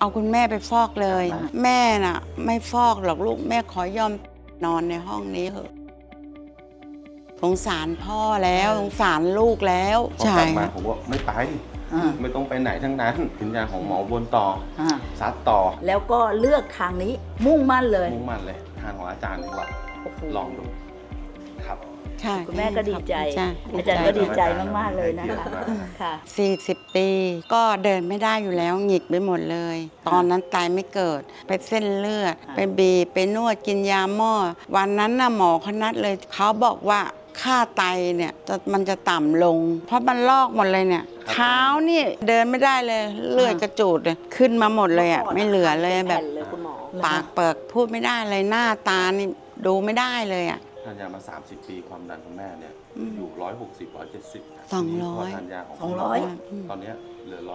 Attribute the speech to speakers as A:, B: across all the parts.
A: เอาคุณแม่ไปฟอกเลย แม่น่ะไม่ฟอกหรอกลูกแม่ขอยอมนอนในห้องนี้เถอะสงสารพ่อแล้วสงสารลูกแล้ว
B: พอกลับมาผมว่าไม่ไปไม่ต้องไปไหนทั้งนั้นกินยาของหมอบนต่อซัดต่อ
C: แล้วก็เลือกทางนี้มุ่งมั่นเลย
B: ทางของอาจารย์ดีกว่าลองดูครับ
C: คุณแม่ก็ดีใจอาจารย์ก็ดีใจมากๆเลยนะคะค่ะ
A: 40 ปีก็เดินไม่ได้อยู่แล้วหงิกไปหมดเลยตอนนั้นตายไม่เกิดไปเส้นเลือดไปบีบไปนวดกินยาหม้อวันนั้นน่ะหมอเขานัดเลยเขาบอกว่าค่าไตเนี่ยมันจะต่ำลงเพราะมันลอกหมดเลยเนี่ยเท้านี่เดินไม่ได้เลยเลือดกระจูดเลยขึ้นมาหมดเลยอ่ะไม่เหลือเลยแบบปากเปิกพูดไม่ได้เลยหน้าตานี่ดูไม่ได้เลยอ่ะ
B: ทานยามา30 ปีความดันของแม่เนี่ยอยู่160 170
A: 200
B: ทานยาของตอนนี้เหลือ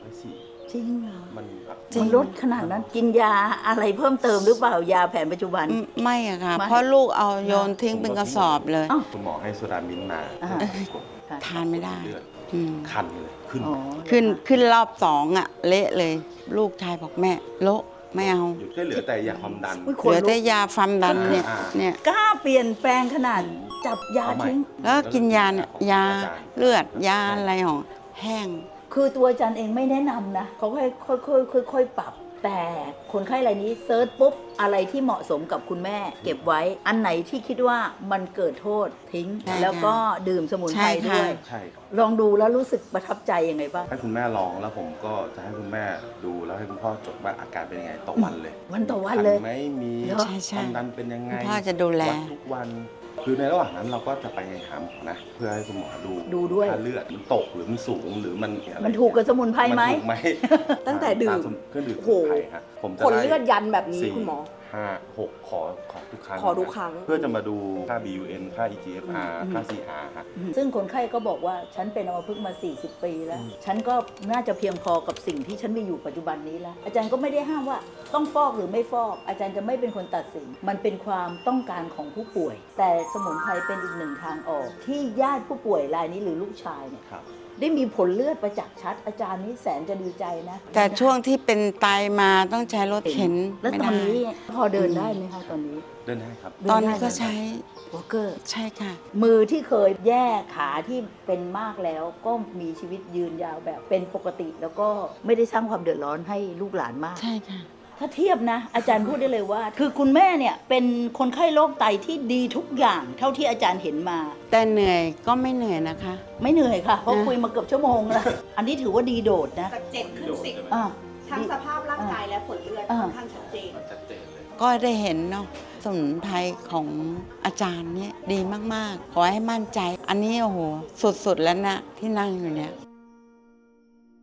B: 120
C: จริงเหรอ
A: มัน
C: ลดขนาดนั้นกินยาอะไรเพิ่มเติมหรือเปล่ายาแผนปัจจุบัน
A: ไม่อะค่ะเพราะลูกเอาโยนทิ้งเป็นกระสอบเลย
B: คุณหมอให้โซดามินมา
A: ทานไม่ได้
B: คันเลย
A: ขึ้นรอบ2อะเละเลยลูกชายบอกแม่โละไม่เอา
B: เหลือแต่ยาความดัน
A: เหลือแต่ยาความดันเนี่ย
C: กล้าเปลี่ยนแปลงขนาดจับยาทิ้ง
A: แล้วกินยาเนี่ยยาเลือดยาอะไรของแห้ง
C: คือตัวอาจารย์เองไม่แนะนำนะเขาค่อยปรับแต่คนไข้รายนี้เซิร์ชปุ๊บอะไรที่เหมาะสมกับคุณแม่เก็บไว้อันไหนที่คิดว่ามันเกิดโทษทิ้งแล้วก็ดื่มสมุนไพรด้วยลองดูแล้วรู้สึกประทับใจยังไงบ้าง
B: ให้คุณแม่ลองแล้วผมก็จะให้คุณแม่ดูแล้วให้คุณพ่อจดว่าอาการเป็นยังไงต่อวันเลย
C: วันต่อวันเลย
B: ไม่มีความดันเป็นยังไง
A: พ่อจะดูแล
B: ทุกวันคือในระหว่างนั้นเราก็จะไปหาหมอนะเพื่อให้คุณหมอดู
C: ด้วย
B: ถ้าเลือดมันตกหรือมันสูงหรือ
C: มันถูกกับสมุนไพรไหม
D: ตั้งแต่ดื่ม
B: เครื่องดื่มสมุนไพรฮะ
D: ผมจะผลเลือดยันแบบนี้คุณหมอ
B: 5 6ขอทุกครั้ง
D: เ
B: พื่อจะมาดูค่า BUN ค่า EGFR ค่า CR ฮะ
C: ซึ่งคนไข้ก็บอกว่าฉันเป็นอัมพฤกษ์มา40 ปีแล้วฉันก็น่าจะเพียงพอกับสิ่งที่ฉันมีอยู่ปัจจุบันนี้แล้วอาจารย์ก็ไม่ได้ห้ามว่าต้องฟอกหรือไม่ฟอกอาจารย์จะไม่เป็นคนตัดสินมันเป็นความต้องการของผู้ป่วยแต่สมุนไพรเป็นอีกหนึ่งทางออกที่ญาติผู้ป่วยรายนี้หรือลูกชายเนี่ยได้มีผลเลือดประจักษ์ชัดอาจารย์นี่แสนจะดีใจนะ
A: แต่ช่วงที่เป็นไตมาต้องใช้รถเข็น
C: แล้วตอนนี้พอเดินได้ไหมคะตอนนี้
B: เดินได้ครับ
A: ตอนนี้ก็ใช้
C: วอล์กเกอร์
A: ใช่ค่ะ
C: มือที่เคยแย่ขาที่เป็นมากแล้วก็มีชีวิตยืนยาวแบบเป็นปกติแล้วก็ไม่ได้สร้างความเดือดร้อนให้ลูกหลานมาก
A: ใช่ค่ะ
C: ถ้าเทียบนะอาจารย์พูดได้เลยว่าคือคุณแม่เนี่ยเป็นคนไข้โรคไตที่ดีทุกอย่างเท่าที่อาจารย์เห็นมา
A: แต่เหนื่อยก็ไม่เหนื่อยนะคะ
C: ไม่เหนื่อยค่ะเพราะคุยมาเกือบชั่วโมงแล้วอันนี้ถือว่าดีโดดนะ
D: จาก7 ขึ้น 10ทั้งสภาพร่างกายและผลเลือดค่อนข้างชัดเจน
A: ก็ได้เห็นเนาะสมุนไพรของอาจารย์เนี่ยดีมากๆขอให้มั่นใจอันนี้โอ้โหสุดๆแล้วนะที่นั่งอยู่เนี่ย